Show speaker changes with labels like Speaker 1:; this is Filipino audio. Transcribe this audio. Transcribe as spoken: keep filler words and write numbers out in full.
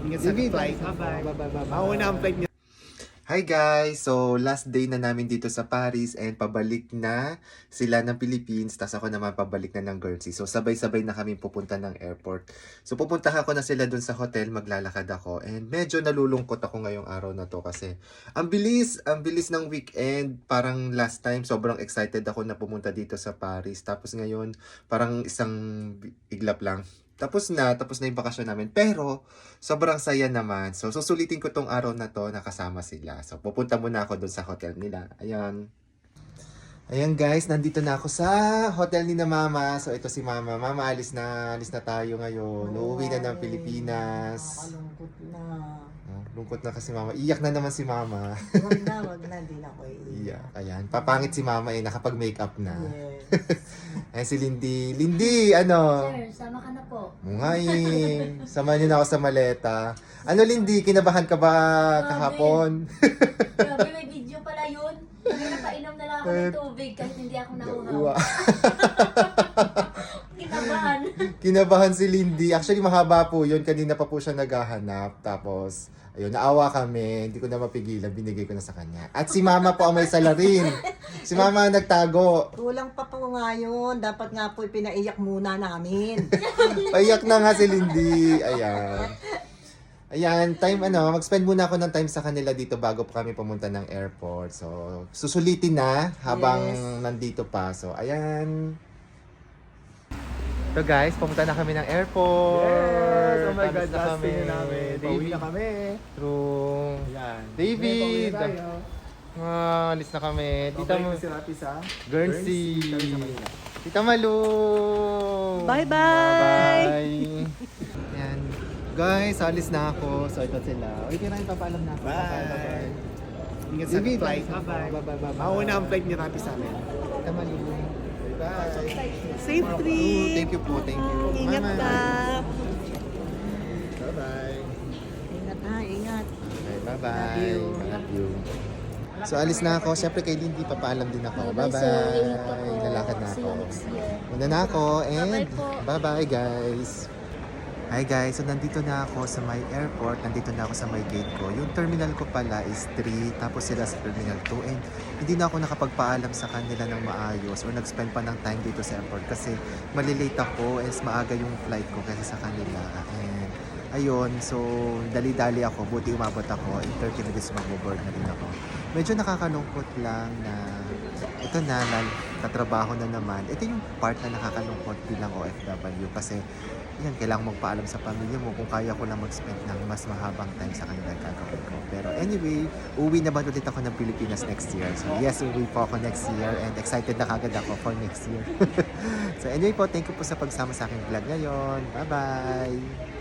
Speaker 1: Ingat sa flight.
Speaker 2: Bye-bye.
Speaker 1: Bye-bye. Mauna ang flight niya.
Speaker 3: Hi guys! So, last day na namin dito sa Paris and pabalik na sila ng Philippines. Tapos ako naman pabalik na ng Guernsey. So, sabay-sabay na kami pupunta ng airport. So, pupuntahan ko na sila dun sa hotel. Maglalakad ako. And medyo nalulungkot ako ngayong araw na to kasi ang bilis, ang bilis ng weekend. Parang last time, sobrang excited ako na pumunta dito sa Paris. Tapos ngayon, parang isang iglap lang. Tapos na, tapos na yung bakasyon namin. Pero, sobrang saya naman. So, susulitin ko tong araw na to, nakasama sila. So, pupunta muna ako doon sa hotel nila. Ayan. Ayan guys, nandito na ako sa hotel ni na Mama. So, ito si Mama. Mama, alis na, alis na tayo ngayon. Uuwi na ng Pilipinas.
Speaker 2: Nakakalungkot na.
Speaker 3: Oh, lungkot na kasi Mama. Iyak na naman si Mama.
Speaker 2: Wag na, wag na. Hindi na ako
Speaker 3: Iyak. Ayan. Papangit si Mama eh. Nakapag-makeup na.
Speaker 2: Yes.
Speaker 3: Ayan si Lindy. Lindy, ano?
Speaker 4: Sir, sama ka na po.
Speaker 3: Ngay, samahan niyo na ako sa maleta. Ano Lindy, kinabahan ka ba kahapon?
Speaker 4: Grabe, may video pala yun. Sabi na painom na lang ako ng tubig kahit hindi ako nauhaw.
Speaker 3: Wa-
Speaker 4: Kinabahan.
Speaker 3: Kinabahan si Lindy. Actually, mahaba po yun. Kanina pa po siya naghahanap. Tapos, ayun, naawa kami. Hindi ko na mapigilan. Binigay ko na sa kanya. At si Mama po ang may salarin. Si Mama ang nagtago.
Speaker 2: Kulang pa po nga yun. Dapat nga po pinaiyak muna namin.
Speaker 3: Paiyak na nga si Lindy. Ayan. Ayan, time ano, mag-spend muna ako ng time sa kanila dito bago po kami pumunta ng airport. So, susulitin na habang
Speaker 2: Yes.
Speaker 3: nandito pa. So, ayan. So guys, pumunta na kami ng airport.
Speaker 1: Yes! Oh my
Speaker 3: Alis
Speaker 1: God,
Speaker 3: na
Speaker 1: last
Speaker 3: kami.
Speaker 1: day na namin. Pauwi na kami.
Speaker 3: True.
Speaker 1: Ayan.
Speaker 3: David!
Speaker 1: May pauwi na tayo.
Speaker 3: Ah, alis na kami. Tita
Speaker 1: Babalik
Speaker 3: mo.
Speaker 1: na si Rapi sa
Speaker 3: Guernsey.
Speaker 1: Kami sa Manila.
Speaker 3: Tita Malu!
Speaker 2: Bye-bye!
Speaker 3: Bye! Ayan. Guys, alis na ako. So, ito sila. Uy, kaya rin papaalam na ako.
Speaker 1: Bye! Ingat sa
Speaker 3: David,
Speaker 1: flight.
Speaker 3: bye-bye.
Speaker 1: Bye-bye. Mauna ang flight ni Rapi sa amin.
Speaker 3: Tita Malu. Bye!
Speaker 2: Safe
Speaker 3: Oh,
Speaker 2: trip!
Speaker 3: thank you po, thank you.
Speaker 2: Ingat
Speaker 3: Bye-bye.
Speaker 2: ka!
Speaker 1: Bye-bye.
Speaker 2: Ingat ha, ingat.
Speaker 3: Okay, bye-bye.
Speaker 2: Love you.
Speaker 3: Love you. So, alis na ako. Siyempre, kay Lindy, papaalam din ako.
Speaker 4: Bye-bye,
Speaker 3: Bye-bye.
Speaker 4: sir. Ingat ka po.
Speaker 3: Lalakad na
Speaker 4: See
Speaker 3: ako.
Speaker 4: you next year.
Speaker 3: Muna na ako. And
Speaker 4: Bye-bye po.
Speaker 3: bye-bye, guys. Hi guys, so nandito na ako sa my airport, nandito na ako sa my gate ko. Yung terminal ko pala is three, tapos sila sa terminal two. And hindi na ako nakapagpaalam sa kanila ng maayos or nag-spend pa ng time dito sa airport kasi malilate ako as maaga yung flight ko kasi sa kanila. And ayun, so dali-dali ako, buti umabot ako. In thirty minutes mag-board na rin ako. Medyo nakakalungkot lang na ito na, tatrabaho na naman. Ito yung part na nakakalungkot bilang O F W kasi yan, kailangan mong paalam sa pamilya mo kung kaya ko lang mag-spend ng mas mahabang time sa kanila gagawin ko. Pero anyway, uwi naman ulit ako ng Pilipinas next year. So yes, uwi po ako next year and excited na kagad ako for next year. So anyway po, thank you po sa pagsama sa aking vlog ngayon. Bye-bye!